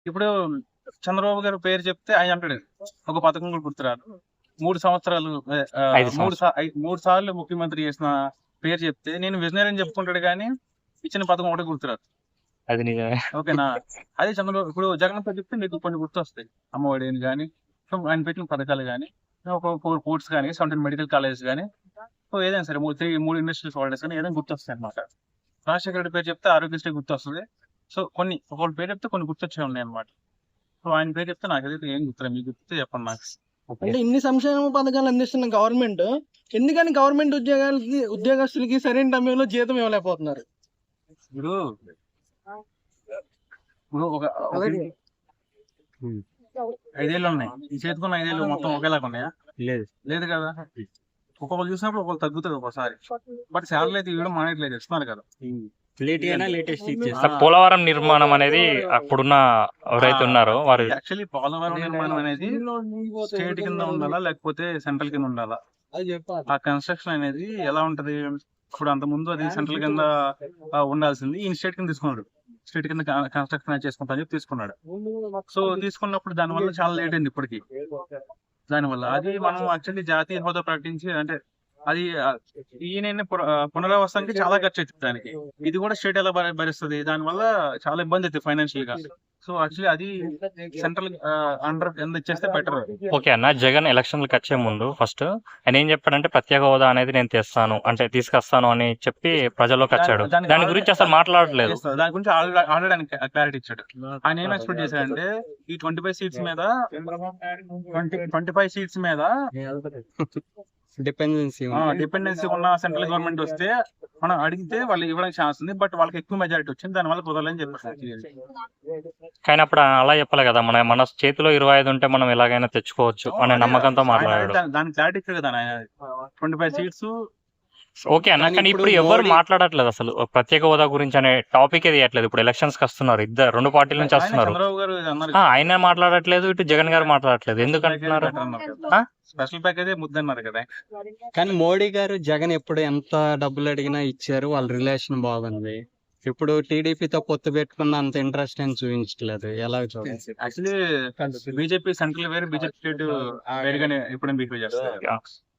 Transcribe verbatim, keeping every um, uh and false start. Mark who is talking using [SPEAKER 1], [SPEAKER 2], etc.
[SPEAKER 1] ఇప్పుడు చంద్రబాబు గారి పేరు చెప్తే ఆయన అంటాడు ఒక పథకం కూడా గుర్తురాదు. మూడు సంవత్సరాలు ఆ,
[SPEAKER 2] ఐదు
[SPEAKER 1] మూడు
[SPEAKER 2] సంవత్సరాలు
[SPEAKER 1] సా- ఐ- మూడు సార్లు ముఖ్యమంత్రి చేసిన పేరు చెప్తే నేను విజనరీ అని చెప్పుకుంటాడు కానీ ఇచ్చిన పథకం ఒకటి గుర్తురాదు.
[SPEAKER 2] అది నిజమే.
[SPEAKER 1] ఓకేనా? అదే చంద్రబాబు ఇప్పుడు జగన్ పేరు చెప్తే మీకు కొన్ని గుర్తు వస్తాయి. అమ్మఒడి అని కానీ ఆయన పెట్టిన పథకాలు కానీ ఒక ఫోర్ పోర్ట్స్ కానీ సెవెంటీన్ మెడికల్ కాలేజెస్ కానీ ఏదైనా సరే మూడు త్రీ మూడు ఇండస్ట్రీస్ హాలిడేస్ కానీ ఏదైనా గుర్తు వస్తాయి అనమాట. రాజశేఖర రెడ్డి పేరు చెప్తే ఆరోగ్యశ్రీ గుర్తు వస్తుంది. సో కొన్ని ఒకళ్ళ పేరు చెప్తే కొన్ని గుర్తొచ్చే ఉన్నాయి అనమాట. సో ఆయన పేరు చెప్తే నాకు ఏదైతే ఏం గుర్తులేదు, మీకు గుర్తు చెప్పండి నాకు.
[SPEAKER 2] ఓకే.
[SPEAKER 3] అంటే ఇన్ని సంక్షేమ పథకాలు అందిస్తున్న గవర్నమెంట్ ఎందుకని గవర్నమెంట్ ఉద్యోగాలకి ఉద్యోగస్తులకి సరైన సమయంలో జీతం ఇవ్వలేకపోతున్నారు?
[SPEAKER 1] ఇప్పుడు ఇప్పుడు ఒక ఒక
[SPEAKER 3] అలాగే
[SPEAKER 2] ఉమ్.
[SPEAKER 1] ఐదేళ్ళు ఉన్నాయి, ఈ చేతికున్న ఐదేళ్ళు మొత్తం ఒకేలాగా ఉన్నాయా?
[SPEAKER 2] లేదు.
[SPEAKER 1] లేదు కదా. ఒక్కొక్కరు చూసినప్పుడు ఒకళ్ళు తగ్గుతుంది ఒకసారి, బట్ శాలరీ అయితే ఇవ్వడం మానేట్లేదు, ఇస్తున్నారు కదా.
[SPEAKER 4] లేట్ అయినా లేటెస్ట్
[SPEAKER 1] ఆ,
[SPEAKER 4] ఇచ్చేస్తారు.
[SPEAKER 2] పోలవరం నిర్మాణం అనేది అప్పుడున్న ఎవరైతే ఉన్నారో వారు
[SPEAKER 1] యాక్చువల్లీ పోలవరం నిర్మాణం అనేది స్టేట్ కింద ఉండాలా లేకపోతే సెంట్రల్ కింద ఉండాలా? ఆ కన్స్ట్రక్షన్ అనేది ఎలా ఉంటది? ఇప్పుడు అంత ముందు అది సెంట్రల్ కింద ఆ, ఉండాల్సింది, ఈ స్టేట్ కింద తీసుకున్నాడు. స్టేట్ కింద కన్స్ట్రక్షన్ చేసుకుంటా అని చెప్పి తీసుకున్నాడు. సో తీసుకున్నప్పుడు దాని వల్ల చాలా లేట్ అయింది ఇప్పటికి. దానివల్ల అది మనం యాక్చువల్లీ జాతీయ హోదా ప్రకటించి అంటే అది ఆ, ఈయన పున- ఆ, పునరావాసానికి చాలా ఖర్చు అవుతుంది దానికి. ఇది కూడా స్టేట్ ఎలా భరి- భరిస్తుంది? దానివల్ల చాలా ఇబ్బంది అవుతుంది ఫైనాన్షియల్ గా. సో యాక్చువల్లీ అది సెంట్రల్ అండర్ కింద ఇచ్చేస్తే బెటర్.
[SPEAKER 2] ఓకే అన్న, జగన్ ఎలక్షన్లకు వచ్చే ముందు ఫస్ట్ ఆయన ఏం చెప్పాడంటే ప్రత్యేక హోదా అనేది నేను తెస్తాను అంటే తీసుకొస్తాను అని చెప్పి ప్రజల్లోకి వచ్చాడు.
[SPEAKER 1] దానికి
[SPEAKER 2] దాని గురించి అసలు మాట్లాడలేదు.
[SPEAKER 1] దాని గురించి ఆల్రెడీ ఆల్రెడీ ఆయన క్లారిటీ ఇచ్చాడు. ఆయన ఏం ఎక్స్పెక్ట్ చేశాడంటే ఈ ట్వంటీ ఫైవ్ సీట్స్ మీద ట్వంటీ ట్వంటీ ఫైవ్ సీట్స్ మీద
[SPEAKER 4] డిపెండెన్సీ
[SPEAKER 1] డిపెండెన్సీ ఉన్న సెంట్రల్ గవర్నమెంట్ వస్తే మనం అడిగితే వాళ్ళు ఇవ్వడానికి ఛాన్స్ ఉంది, బట్ వాళ్ళకి ఎక్కువ మెజారిటీ వచ్చింది, దాని వల్ల కుదరలని చెప్పారు.
[SPEAKER 2] కానీ అప్పుడు అలా చెప్పలే కదా, మన మన చేతిలో ఇరవై ఐదు ఉంటే మనం ఎలాగైనా తెచ్చుకోవచ్చు అనే నమ్మకంతో మాట్లాడాడు.
[SPEAKER 1] దానికి క్లారిటీ ఇచ్చాడు కదా ఆయన. ట్వంటీ ఫైవ్ సీట్స్
[SPEAKER 2] ఓకే అన్న,
[SPEAKER 4] కానీ
[SPEAKER 2] కానీ
[SPEAKER 4] ఇప్పుడు
[SPEAKER 2] ఇప్పుడు ఎవరు
[SPEAKER 4] మోడీ-
[SPEAKER 2] మాట్లాడట్లేదు అసలు ప్రత్యేక హోదా గురించి అనే టాపిక్ తీయట్లేదు. ఇప్పుడు ఎలక్షన్స్ కి వస్తున్నారు, ఇద్దరు రెండు పార్టీల నుంచి వస్తున్నారు.
[SPEAKER 1] చంద్రబాబు గారు అన్నారు
[SPEAKER 2] ఆ, ఆయన మాట్లాడట్లేదు, ఇటు జగన్ గారు మాట్లాడట్లేదు. ఎందుకు అంటున్నారు? ఆ?
[SPEAKER 1] స్పెషల్ ప్యాకేజ్ ముద్దన్నారు కదా.
[SPEAKER 4] కానీ మోడీ గారు జగన్ ఎప్పుడు ఎంత డబ్బులు అడిగినా ఇచ్చారు, వాళ్ళ రిలేషన్ బాగుంది. ఇప్పుడు టీడీపీతో పొత్తు పెట్టుకున్న అంత ఇంట్రెస్ట్ అని చూపించట్లేదు. ఎలా చూడాలి?
[SPEAKER 1] యాక్చువల్లీ బీజేపీ సెంట్రల్ వేరు, బీజేపీ స్టేట్ వేరుగానే ఇప్పుడు బిహేవ్ చేస్తారు.
[SPEAKER 2] Yeah.